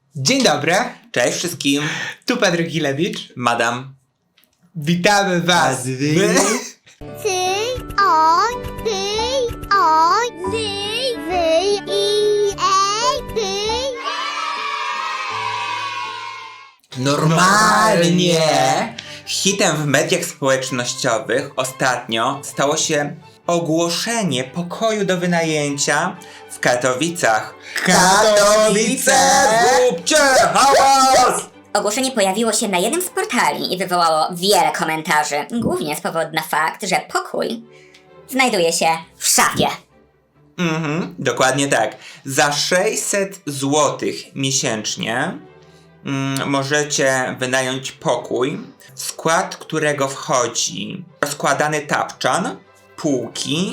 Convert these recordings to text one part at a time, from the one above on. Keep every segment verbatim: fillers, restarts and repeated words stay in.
Dzień dobry, Cześć wszystkim, tu Patryk Gilewicz. madam. Witamy was w... Ty, on, ty, on, ty, wy, i, e, ty. Normalnie! Hitem w mediach społecznościowych ostatnio stało się ogłoszenie pokoju do wynajęcia w Katowicach. Katowice! Zróbcie hałas! Ogłoszenie pojawiło się na jednym z portali i wywołało wiele komentarzy, głównie z powodu na fakt, że pokój znajduje się w szafie. Mhm, dokładnie tak. Za sześćset złotych miesięcznie mm, możecie wynająć pokój, w skład którego wchodzi rozkładany tapczan, półki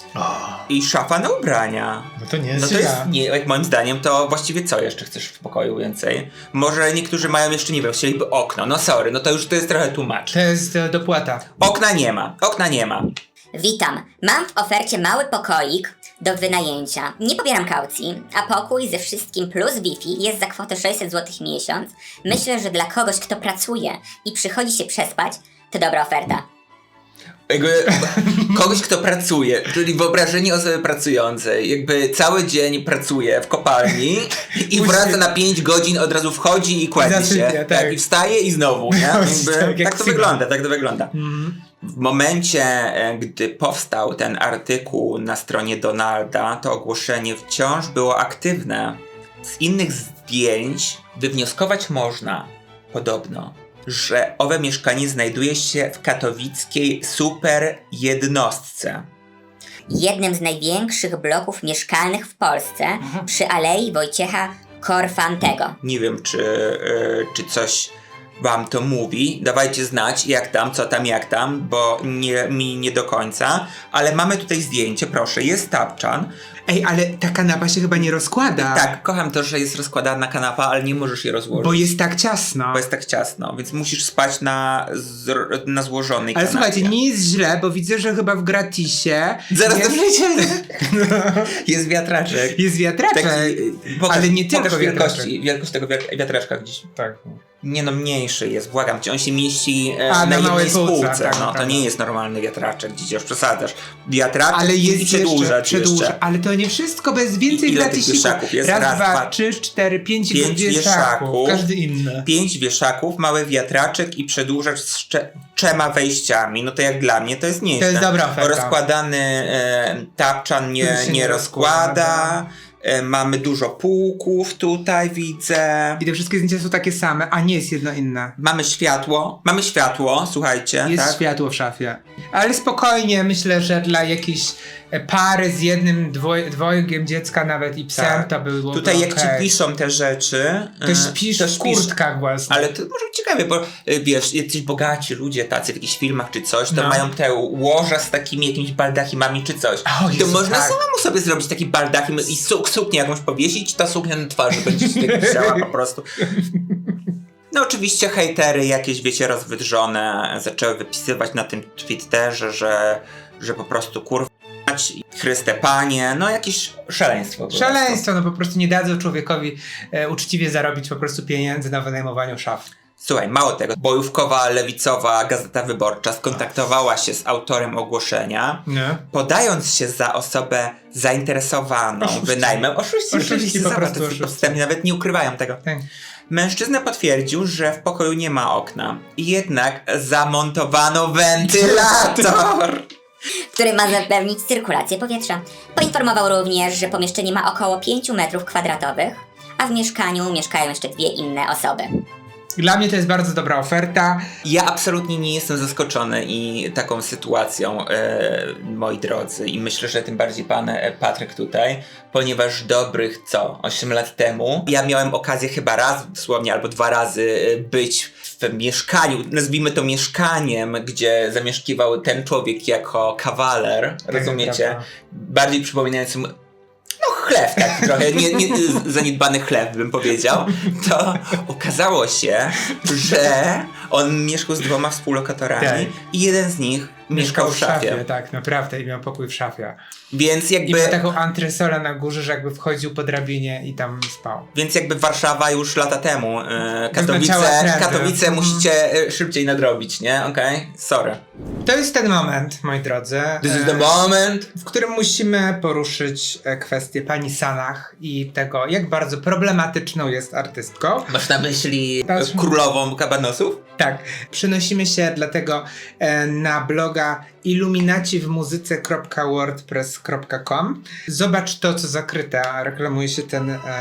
i szafa na ubrania. No to nie jest No to jest, nie, jak moim zdaniem, to właściwie co jeszcze chcesz w pokoju więcej? Może niektórzy mają jeszcze, nie wiem, chcieliby okno. No sorry, no to już to jest trochę tłumacz. To jest e, dopłata. Okna nie ma, okna nie ma. Witam, mam w ofercie mały pokoik do wynajęcia. Nie pobieram kaucji, a pokój ze wszystkim plus Wi-Fi jest za kwotę sześćset złotych miesiąc. Myślę, że dla kogoś, kto pracuje i przychodzi się przespać, to dobra oferta. Jakby kogoś, kto pracuje, czyli wyobrażenie osoby pracującej, jakby cały dzień pracuje w kopalni i wraca na pięć godzin, od razu wchodzi i kładzie Zasypia, się. tak. Tak, i wstaje i znowu, nie? Jakby, tak, jak tak to Sigma. wygląda, tak to wygląda. Mhm. W momencie, e, gdy powstał ten artykuł na stronie Donalda, to ogłoszenie wciąż było aktywne. Z innych zdjęć wywnioskować można, podobno, że owe mieszkanie znajduje się w katowickiej super jednostce. Jednym z największych bloków mieszkalnych w Polsce przy Alei Wojciecha Korfantego. Nie wiem, czy, y, czy coś wam to mówi. Dawajcie znać, jak tam, co tam, jak tam, bo nie, mi nie do końca. Ale mamy tutaj zdjęcie, proszę, jest tapczan. Ej, ale ta kanapa się chyba nie rozkłada. Tak, kocham to, że jest rozkładana kanapa, ale nie możesz je rozłożyć. Bo jest tak ciasno. Bo jest tak ciasno, więc musisz spać na, zro- na złożonej Ale kanapie. słuchajcie, nie jest źle, bo widzę, że chyba w gratisie Zaraz jest, to przejdziemy. Jest wiatraczek. jest wiatraczek. Taki, pokaż, Ale nie tylko pokaż wielkości, wiatraczek. wielkość tego wiat- wiatraczka gdzieś. Tak. Nie no, mniejszy jest, błagam cię, on się mieści e, A, na, na jednej małej półce, spółce. tak, no, to naprawdę. nie jest normalny wiatraczek, gdzie już przesadzasz. Wiatraczek Ale i jest przedłużacz jeszcze, przedłuża. jeszcze. Ale to nie wszystko, bo jest więcej I ile tych gratisików. wieszaków jest? Raz, Raz, dwa, dwa, trzy, cztery, pięć, pięć wieszaków. wieszaków. Każdy inny. Pięć wieszaków, mały wiatraczek i przedłużacz z cze- trzema wejściami. No to jak dla mnie to jest nieźle. To jest dobra oferta. Rozkładany e, tapczan nie, Który się nie nie rozkłada. rozkłada. E, mamy dużo półków tutaj, widzę. I te wszystkie zdjęcia są takie same, a nie jest jedno inne. Mamy światło. Mamy światło, słuchajcie. Jest tak? światło w szafie. Ale spokojnie, myślę, że dla jakiejś e, pary z jednym dwoj, dwojgiem dziecka nawet i psem Tak. to by było Tutaj jak okej. ci piszą te rzeczy, To e, śpisz to w kurtkach właśnie. Ale to może być ciekawe, bo e, wiesz, jacyś bogaci ludzie tacy w jakichś filmach czy coś, to No. mają te łoża z takimi jakimiś baldachimami czy coś. O, to Jezu, można tak. samemu sobie zrobić taki baldachim i su- suknię jakąś powiesić, ta suknia na twarzy będzie się tak wisiała po prostu. No oczywiście hejtery jakieś, wiecie, rozwydrzone zaczęły wypisywać na tym Twitterze, że, że po prostu kurwa Chryste Panie, no jakieś szaleństwo. po prostu. Szaleństwo, no po prostu nie dadzą człowiekowi e, uczciwie zarobić po prostu pieniędzy na wynajmowaniu szaf. Słuchaj, mało tego, bojówkowa, lewicowa Gazeta Wyborcza skontaktowała się z autorem ogłoszenia, Nie? podając się za osobę zainteresowaną Oszuści. wynajmem. Oszuści, Oszuści, oczywiście, po zobacz, prostu to jest oszuści. podstępnie, nawet nie ukrywają tego. Tak. Mężczyzna potwierdził, że w pokoju nie ma okna, jednak zamontowano wentylator. który ma zapewnić cyrkulację powietrza. Poinformował również, że pomieszczenie ma około pięć metrów kwadratowych, a w mieszkaniu mieszkają jeszcze dwie inne osoby. Dla mnie to jest bardzo dobra oferta. Ja absolutnie nie jestem zaskoczony i taką sytuacją, e, moi drodzy, i myślę, że tym bardziej pan e, Patryk tutaj, ponieważ dobrych, co, osiem lat temu ja miałem okazję chyba raz dosłownie albo dwa razy e, być w mieszkaniu, nazwijmy to mieszkaniem, gdzie zamieszkiwał ten człowiek jako kawaler, rozumiecie? prawda. Bardziej przypominającym no chleb taki trochę, nie, nie, zaniedbany chleb bym powiedział, to okazało się, że on mieszkał z dwoma współlokatorami Tak. i jeden z nich mieszkał w szafie. Tak, naprawdę, i miał pokój w szafie. Więc I jakby... miał taką antresolę na górze, że jakby wchodził po drabinie i tam spał. Więc jakby Warszawa już lata temu, e, Katowice, Wyznaczała trendy. Katowice Mhm. musicie e, szybciej nadrobić, nie? Okej? Okay? Sorry. To jest ten moment, moi drodzy, This is e, the moment. w którym musimy poruszyć e, kwestię pani Sanach i tego, jak bardzo problematyczną jest artystką. Masz na myśli Patrz. królową kabanosów? Tak, przenosimy się dlatego e, na bloga iluminaci w muzyce kropka wordpress kropka com. Zobacz to, co zakryte, reklamuje się ten em,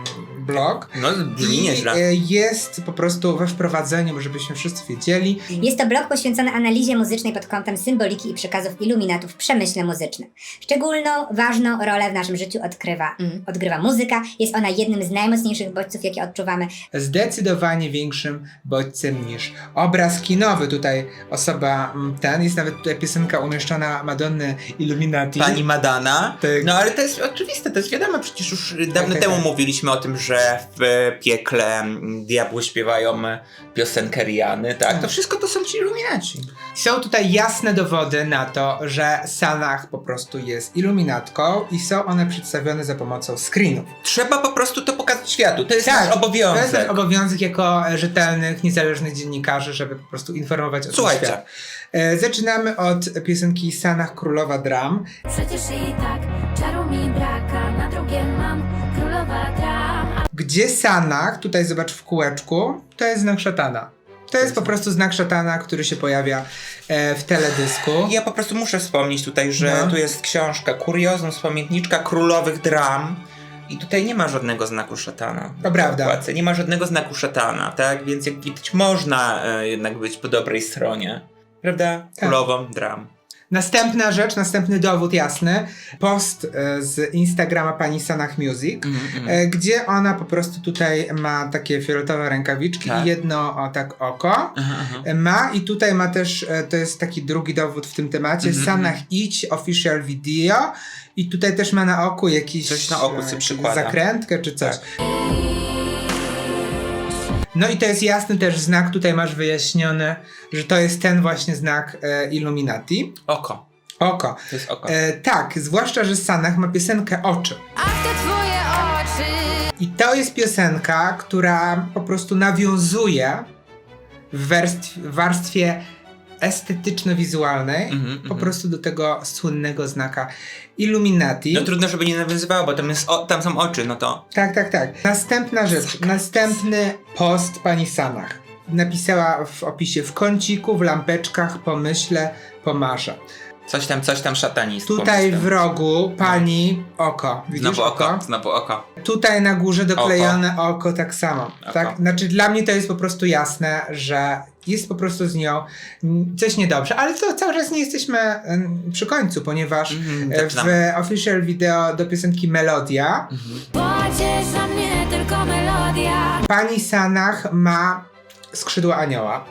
blog. No, brzmi I nieźle. e, jest po prostu we wprowadzeniu, żebyśmy wszyscy wiedzieli. Jest to blog poświęcony analizie muzycznej pod kątem symboliki i przekazów iluminatów w przemyśle muzycznym. Szczególną, ważną rolę w naszym życiu odgrywa, mm, odgrywa muzyka. Jest ona jednym z najmocniejszych bodźców, jakie odczuwamy. Zdecydowanie większym bodźcem niż obraz kinowy. Tutaj osoba mm, ten, jest nawet tutaj piosenka umieszczona Madonny Illuminati. Pani Madonna. Tak. No ale to jest oczywiste, to jest wiadomo, przecież już dawno tak, temu tak. mówiliśmy o tym, że w piekle diabły śpiewają piosenkę Riany, tak? To wszystko to są ci iluminaci. Są tutaj jasne dowody na to, że Sanach po prostu jest iluminatką i są one przedstawione za pomocą screenów. Trzeba po prostu to pokazać światu, to jest nasz To jest obowiązek. nasz obowiązek jako e, rzetelnych, niezależnych dziennikarzy, żeby po prostu informować o tym Słuchajcie. świat. E, Zaczynamy od piosenki Sanach Królowa Dram. Przecież i tak czaru mi braka, na drugie mam królowa dram. Gdzie Sanach, tutaj zobacz w kółeczku, to jest znak szatana. To jest po prostu znak szatana, który się pojawia e, w teledysku. Ja po prostu muszę wspomnieć tutaj, że No. tu jest książka Kuriozum z pamiętniczka królowych dram i tutaj nie ma żadnego znaku szatana. To prawda. W okładce nie ma żadnego znaku szatana, tak? Więc jak widać można e, jednak być po dobrej stronie. Prawda? Królową dram. Następna rzecz, następny dowód jasny. Post e, z Instagrama pani Sanach Music, Mm, mm. e, gdzie ona po prostu tutaj ma takie fioletowe rękawiczki Tak. i jedno o, tak oko. Aha, aha. E, Ma i tutaj ma też, e, to jest taki drugi dowód w tym temacie, Mhm, Sanach Idź Official Video i tutaj też ma na oku jakiś Coś na oku sobie e, przykłada. zakrętkę czy coś. Tak. No i to jest jasny też znak, tutaj masz wyjaśnione, że to jest ten właśnie znak e, Illuminati. Oko. Oko. To jest oko. E, tak, zwłaszcza, że Sanach ma piosenkę Oczy. Ach, te twoje oczy. I to jest piosenka, która po prostu nawiązuje w warstwie, w warstwie estetyczno-wizualnej Mhm, po mhm. prostu do tego słynnego znaka Illuminati. No trudno, żeby nie nawiązywało, bo tam, jest o, tam są oczy, no to... Tak, tak, tak. Następna rzecz, następny post pani Sanach. Napisała w opisie: w kąciku, w lampeczkach, pomyślę, pomarzę. Coś tam, coś tam szatanist. Tutaj w pomyślę. rogu pani oko. Widzisz Znowu oko, znowu oko. Tutaj na górze doklejone oko, oko tak samo. Oko. Tak? Znaczy dla mnie to jest po prostu jasne, że jest po prostu z nią mm, coś niedobrze, ale to cały czas nie jesteśmy mm, przy końcu, ponieważ Mhm, e, zaczynamy. w official video do piosenki Melodia Pociesza mnie tylko melodia. pani Sanach ma skrzydła anioła.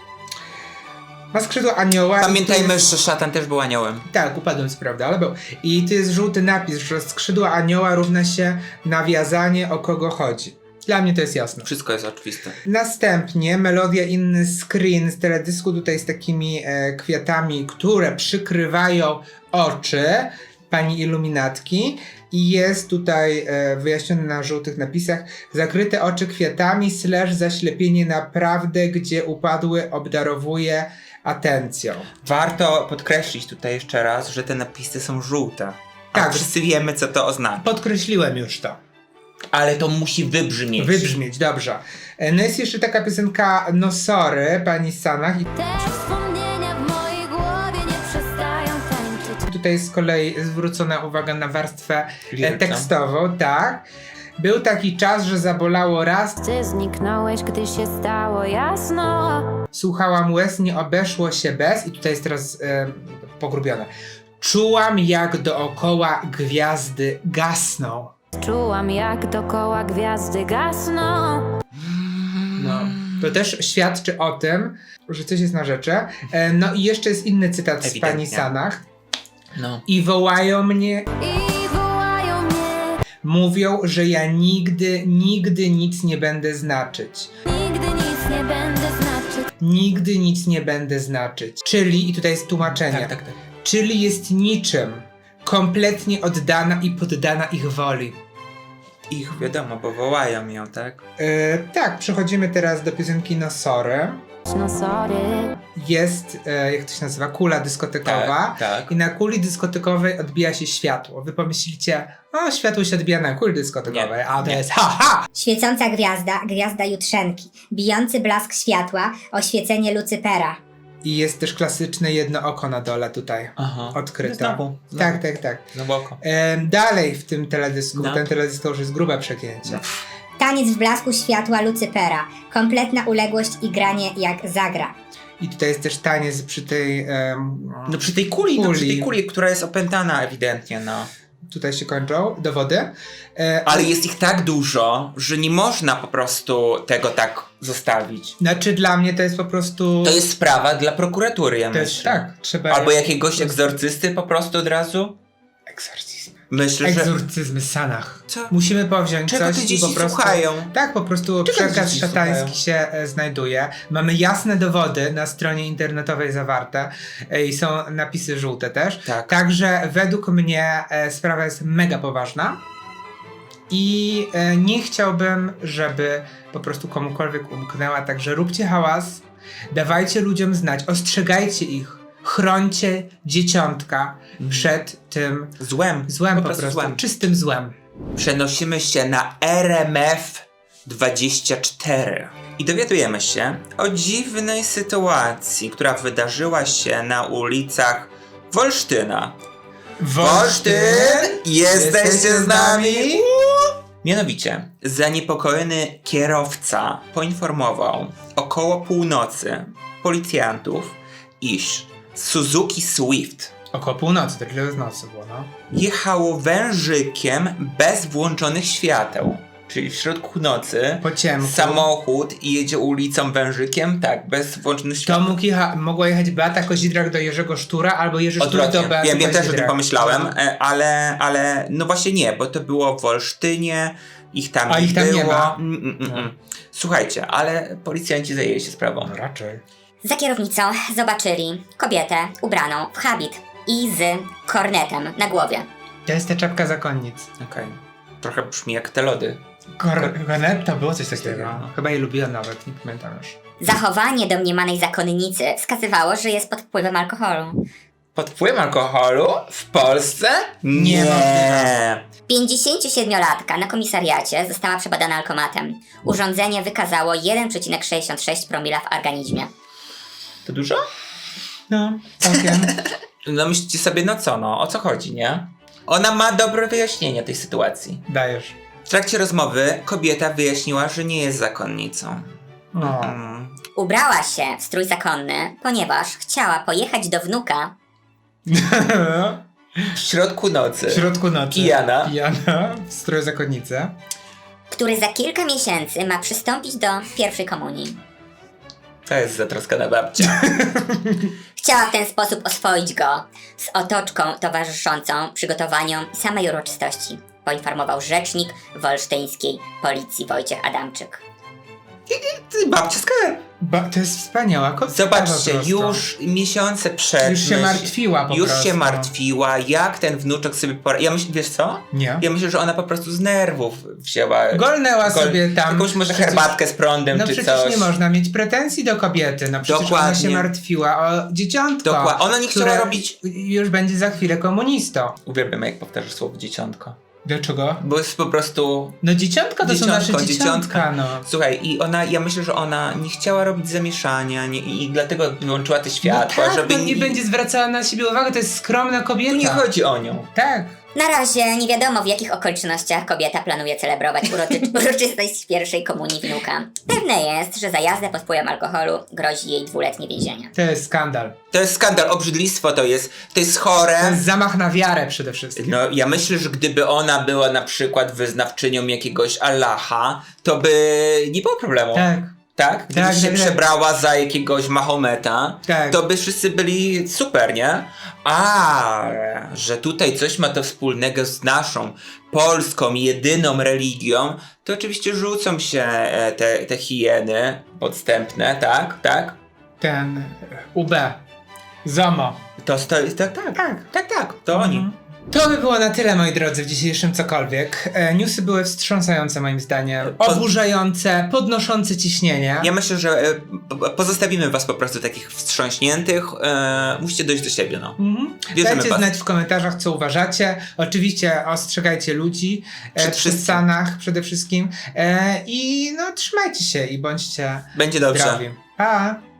Ma skrzydła anioła. i Pamiętajmy, to jest, że szatan też był aniołem. Tak, upadłem co prawda, ale był. I tu jest żółty napis, że skrzydła anioła równa się nawiązanie, o kogo chodzi. Dla mnie to jest jasne. Wszystko jest oczywiste. Następnie melodia, inny screen z teledysku tutaj z takimi e, kwiatami, które przykrywają oczy pani iluminatki i jest tutaj e, wyjaśnione na żółtych napisach: zakryte oczy kwiatami slash zaślepienie naprawdę, gdzie upadły obdarowuje atencją. Warto podkreślić tutaj jeszcze raz, że te napisy są żółte. A Tak. wszyscy wiemy, co to oznacza. Podkreśliłem już to. Ale to musi wybrzmieć. Wybrzmieć, dobrze. E, No jest jeszcze taka piosenka No Sorry, pani Sanach i Te wspomnienia w mojej głowie nie przestają tańczyć. tutaj z kolei zwrócona uwaga na warstwę e, Liryczną. tekstową, tak. Był taki czas, że zabolało raz, Ty zniknąłeś, gdy się stało jasno. słuchałam łez, nie obeszło się bez, i tutaj jest teraz e, pogrubione. Czułam, jak dookoła gwiazdy gasną. Czułam, jak dokoła gwiazdy gasną. No. To też świadczy o tym, że coś jest na rzeczy. E, no i jeszcze jest inny cytat z Ewidentnie. pani Sanach. No. I wołają mnie, I wołają mnie. mówią, że ja nigdy, nigdy nic nie będę znaczyć. Nigdy nic nie będę znaczyć. Czy Nigdy nic nie będę znaczyć. Czyli, i tutaj jest tłumaczenie, Tak, tak, tak. czyli jest niczym, kompletnie oddana i poddana ich woli. Ich wiadomo, bo wołają ją, tak? E, tak, przechodzimy teraz do piosenki No Sorry. no sorry. Jest, e, jak to się nazywa, kula dyskotekowa. Tak, tak. I na kuli dyskotekowej odbija się światło. Wy pomyślicie, o, światło się odbija na kuli dyskotekowej, Nie, a to nie. jest ha, ha! Świecąca gwiazda, gwiazda jutrzenki, bijący blask światła, oświecenie Lucypera. I jest też klasyczne jedno oko na dole tutaj Aha. odkryte. Znowu, znowu. Tak, tak, tak. Znowu oko. E, dalej w tym teledysku, No. ten teledysk to już jest grube przegięcie. Taniec w blasku światła Lucypera, kompletna uległość i granie jak zagra. I tutaj jest też taniec przy tej... em, No przy tej kuli, no przy Kuli. tej kuli, która jest opętana ewidentnie, no. Tutaj się kończą dowody. E, Ale jest ich tak dużo, że nie można po prostu tego tak zostawić. Znaczy dla mnie to jest po prostu... To jest sprawa dla prokuratury, ja to jest, myślę. tak, trzeba... Albo jakiegoś egzorcysty po prostu od razu. Egzorcyzm. Myślę, że... Egzorcyzmy Sanach. Co? Musimy powziąć Czego coś te i dzieci po prostu... słuchają? Tak, po prostu Czego przekaz dzieci szatański słuchają? się e, znajduje. Mamy jasne dowody na stronie internetowej zawarte e, i są napisy żółte też. Tak. Także według mnie e, sprawa jest mega poważna i e, nie chciałbym, żeby po prostu komukolwiek umknęła, także róbcie hałas, dawajcie ludziom znać, ostrzegajcie ich, chrońcie dzieciątka przed tym Złem. złem po, prostu prostu, złem. czystym złem. Przenosimy się na R M F dwadzieścia cztery i dowiadujemy się o dziwnej sytuacji, która wydarzyła się na ulicach Wolsztyna. Wolsztyn! Jesteście z nami? Mianowicie, zaniepokojony kierowca poinformował około północy policjantów, iż Suzuki Swift Około północy, to tyle z nocy było, no. jechało wężykiem bez włączonych świateł. Czyli w środku nocy Po ciemku. samochód i jedzie ulicą wężykiem, tak, bez włączonych To świateł. mógł jecha- mogła jechać Beata Kozidrak do Jerzego Sztura, albo Jerzy Sztur do Odwrotnie. Beaty Ja wiem też o tym Kozidrak. pomyślałem, e, ale, ale no właśnie nie, bo to było w Wolsztynie, ich tam A nie ich tam było. nie ma. Mm, mm, mm, mm. Słuchajcie, ale policjanci zajęli się sprawą. No raczej. Za kierownicą zobaczyli kobietę ubraną w habit i z kornetem na głowie. To jest ta czapka zakonnic. Okej. Trochę brzmi jak te lody. Kor- Kornet to było coś takiego. No. Chyba je lubiłem nawet, nie pamiętam już. Zachowanie domniemanej zakonnicy wskazywało, że jest pod wpływem alkoholu. Pod wpływem alkoholu w Polsce? Niemożliwe. pięćdziesięciosiedmiolatka na komisariacie została przebadana alkomatem. Urządzenie wykazało jeden przecinek sześćdziesiąt sześć promila w organizmie. To dużo? No, całkiem. No myślicie sobie, no co, no, o co chodzi, nie? Ona ma dobre wyjaśnienie tej sytuacji. Dajesz. W trakcie rozmowy kobieta wyjaśniła, że nie jest zakonnicą. No. Mm. Ubrała się w strój zakonny, ponieważ chciała pojechać do wnuka. W środku nocy. W środku nocy. Pijana. Pijana, w stroju zakonnicy. Który za kilka miesięcy ma przystąpić do pierwszej komunii. To jest zatroskana babcia. Chciała w ten sposób oswoić go z otoczką towarzyszącą przygotowaniom samej uroczystości, poinformował rzecznik wolsztyńskiej policji Wojciech Adamczyk. Ty, babcia skar. Ba- to jest wspaniała kobieta. Zobaczcie, po prostu. już miesiące przed. Już się myśl- martwiła po Już prostu. się martwiła, jak ten wnuczek sobie poradzi. Ja myślę, wiesz co? Nie. Ja myślę, że ona po prostu z nerwów wzięła. Golnęła gol- sobie tam. Jakąś może Przecież- herbatkę z prądem No czy przecież coś. nie można mieć pretensji do kobiety. No przecież ona Dokładnie. się martwiła o dzieciątko. Dokładnie. Ona nie chciała które robić- Już będzie za chwilę komunistą. Uwielbiam, jak powtarzasz słowo dzieciątko. Dlaczego? Bo jest po prostu. No dzieciątko to są nasze Dzieciątko, dzieciątka, dzieciątka. no. Słuchaj, i ona, ja myślę, że ona nie chciała robić zamieszania nie, i dlatego wyłączyła te światła, no tak, żeby no nie będzie zwracała na siebie uwagi, to jest skromna kobieta. Tu nie chodzi o nią. Tak. Na razie nie wiadomo, w jakich okolicznościach kobieta planuje celebrować uroczy- uroczystość pierwszej komunii wnuka. Pewne jest, że za jazdę pod wpływem alkoholu grozi jej dwuletnie więzienie. To jest skandal. To jest skandal, obrzydlistwo to jest, to jest chore. To jest zamach na wiarę przede wszystkim. No, ja myślę, że gdyby ona była na przykład wyznawczynią jakiegoś Allaha, to by nie było problemu. Tak. tak? Gdybyś Tak, się tak, tak. przebrała za jakiegoś Mahometa, Tak. to by wszyscy byli super, nie? A, że tutaj coś ma to wspólnego z naszą polską, jedyną religią, to oczywiście rzucą się e, te, te hieny podstępne, tak? Tak? Ten U B. Zomo. To stoi, tak, tak, tak, tak, tak, to oni. Mhm. To by było na tyle, moi drodzy, w dzisiejszym cokolwiek. E, newsy były wstrząsające moim zdaniem, Po- oburzające, podnoszące ciśnienie. Ja myślę, że e, po- pozostawimy was po prostu takich wstrząśniętych. E, musicie dojść do siebie, no. Mhm. Bierzemy Dajcie was. znać w komentarzach, co uważacie. Oczywiście ostrzegajcie ludzi e, Przed przy wszystkim. stanach przede wszystkim. E, I no trzymajcie się i bądźcie Będzie dobrze. zdrowi. Pa!